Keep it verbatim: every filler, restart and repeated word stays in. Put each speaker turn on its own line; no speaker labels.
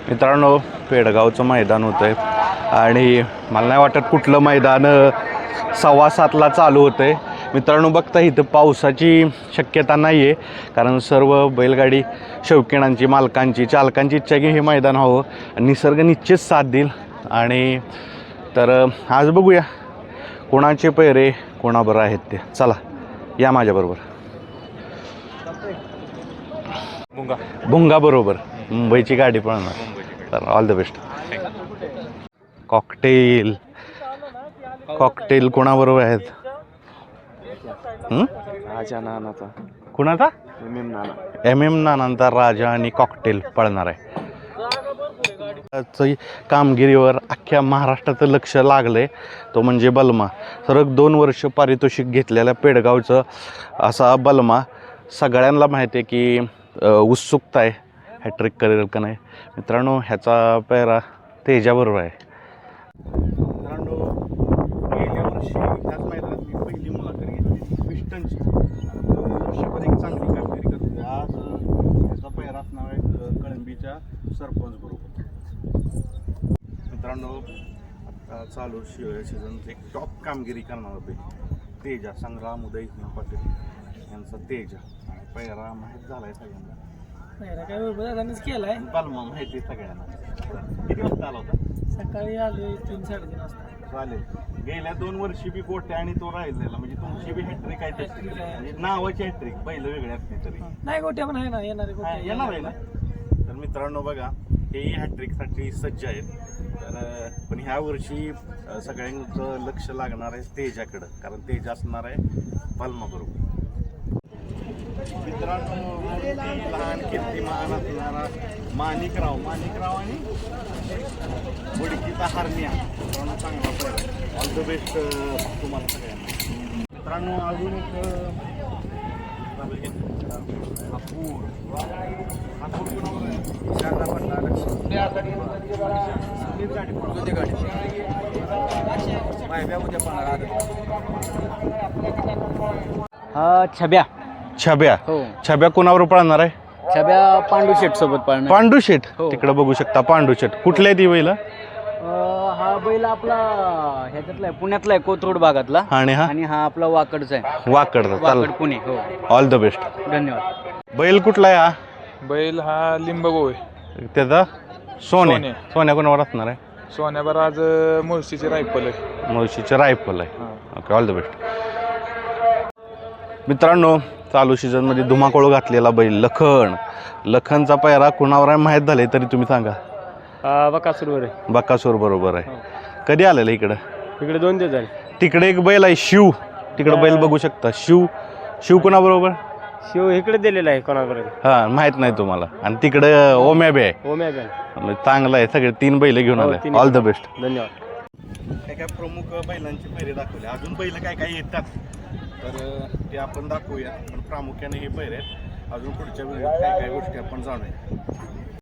मित्रांनो, पेडगावचं मैदान होतं आहे आणि मला नाही वाटत कुठलं मैदान सव्वा सातला चालू होतं आहे. मित्रांनो बघता इथं पावसाची शक्यता नाही आहे, कारण सर्व बैलगाडी शौकीनांची, मालकांची, चालकांची इच्छा की हे मैदान हवं आणि निसर्ग निश्चित साथ देईल. आणि तर आज बघूया कोणाचे पैरे कोणाबरोबर आहेत ते. चला या माझ्याबरोबर.
भुंगा
भुंगा बरोबर मुंबईची गाडी पळणार. तर all the best. Cocktail cocktail कोणाबरोबर आहेत?
राजा नानाचा
कुणाचा?
M M Nana.
M M नानांचा राजा आणि कॉकटेल पळणार आहे. कामगिरीवर अख्ख्या महाराष्ट्राचं लक्ष लागलंय, तो म्हणजे बलमा. सरक दोन वर्ष पारितोषिक घेतलेल्या पेडगावचं असा बलमा. सगळ्यांना माहिती आहे की उत्सुकता आहे हॅट्रिक करेल का नाही. मित्रांनो ह्याचा पेहरा तेजाबरोबर आहे. मित्रांनो गेल्या वर्षी त्याच मैदानात मी पहिली मुलाखत घेतली पिस्टनची. वर्षभर एक चांगली कामगिरी करते. आज त्याचा पेहरा असणार आहे कळंबीच्या सरपंच बरोबर. मित्रांनो आता चालू शिवाय सीझन एक टॉप कामगिरी करणार होते तेजा. संग्राम उदय पाटील यांचा तेजा. पेहरा माहीत झाला आहे सगळ्यांना.
पहिला काय दादानीच केलाय.
बलमा माहिती आहे सगळ्यांना. किती वाजता आला होता?
सकाळी आलो तीन साडेतीन वाजता.
चालेल. गेल्या दोन वर्षी बी गोट्या आणि तो राहिलेला, म्हणजे तुमची बी हॅट्रिक आहे तशी, म्हणजे नावाची हॅट्रिक. पहिलं वेगळे असते तरी
नाही गोट्या पण आहे ना, येणारे
हा,
गोट्या
येणार आहे ना. तर मित्रांनो बघा, हेही हॅट्रिकसाठी सज्ज आहेत. तर पण ह्या वर्षी सगळ्यांचं लक्ष लागणार आहे तेजाकडं, कारण तेजा असणार आहे बलमा बरोबर. मित्रांनो लहान कीर्तिमान असणारा माणिकराव माणिकराव आणि बुडकीचा हरण्या. मित्रांनो चांगला पैर. ऑल द बेस्ट तुम्हाला सगळ्यांना. मित्रांनो अजून एक हापूर हापूर कुणावर आहे? शारदा पडला लक्ष गाडी उद्या
हा छब्या.
छब्या.
हो
छब्या कुणावर पळणार आहे?
छब्या पांडू शेट सोबत पाळणार.
पांडू शेठ.
हो.
तिकडे बघू शकता पांडू शेठ. कुठल्या ती बैल?
हा बैल आपला ह्याच्यातला आहे, पुण्यातला आहे, कोथरूड भागातला.
आणि हा
आणि हा आपला वाकडचा आहे,
वाकडचा. चाल
वाकड पुणे. हो
ऑल द बेस्ट.
धन्यवाद.
बैल कुठला आहे हा?
बैल हा लिंबगो आहे.
त्याचा सोने.
सोने.
सोन्या कोणावर असणार आहे?
सोन्यावर आज मुळशीची रायफल आहे.
मुळशीचे रायफल आहे.
हा.
Okay all the best. मित्रांनो चालू सीझनमध्ये धुमाकूळ घातलेला बैल लखन. लखनचा पैरा कुणावर आहे माहीत झाले तरी तुम्ही सांगा.
बकासूरवर आहे.
बक्कासूर बरोबर आहे. कधी आलेलं इकडं?
इकडे दोन दिवस झाले.
तिकडे एक बैल आहे शिव. तिकडे बैल बघू शकता. शिव. शिव कुणाबरोबर?
शिव इकडे दिलेला आहे कोणाबरोबर?
हां माहीत नाही तुम्हाला. आणि तिकडे ओम्या बी आहे.
ओम्या बॅन.
म्हणजे चांगलं आहे. सगळे तीन बैल घेऊन
हो,
आले.
तिन्ही.
All the best.
धन्यवाद.
काय काय प्रमुख बैलांचे पैरे दाखवले. अजून बैल काय काय येतात तर ते आपण दाखवूया. पण प्रामुख्याने हे पैरे आहेत. अजून पुढच्या वेळेस काय काय गोष्टी आपण जाणूया.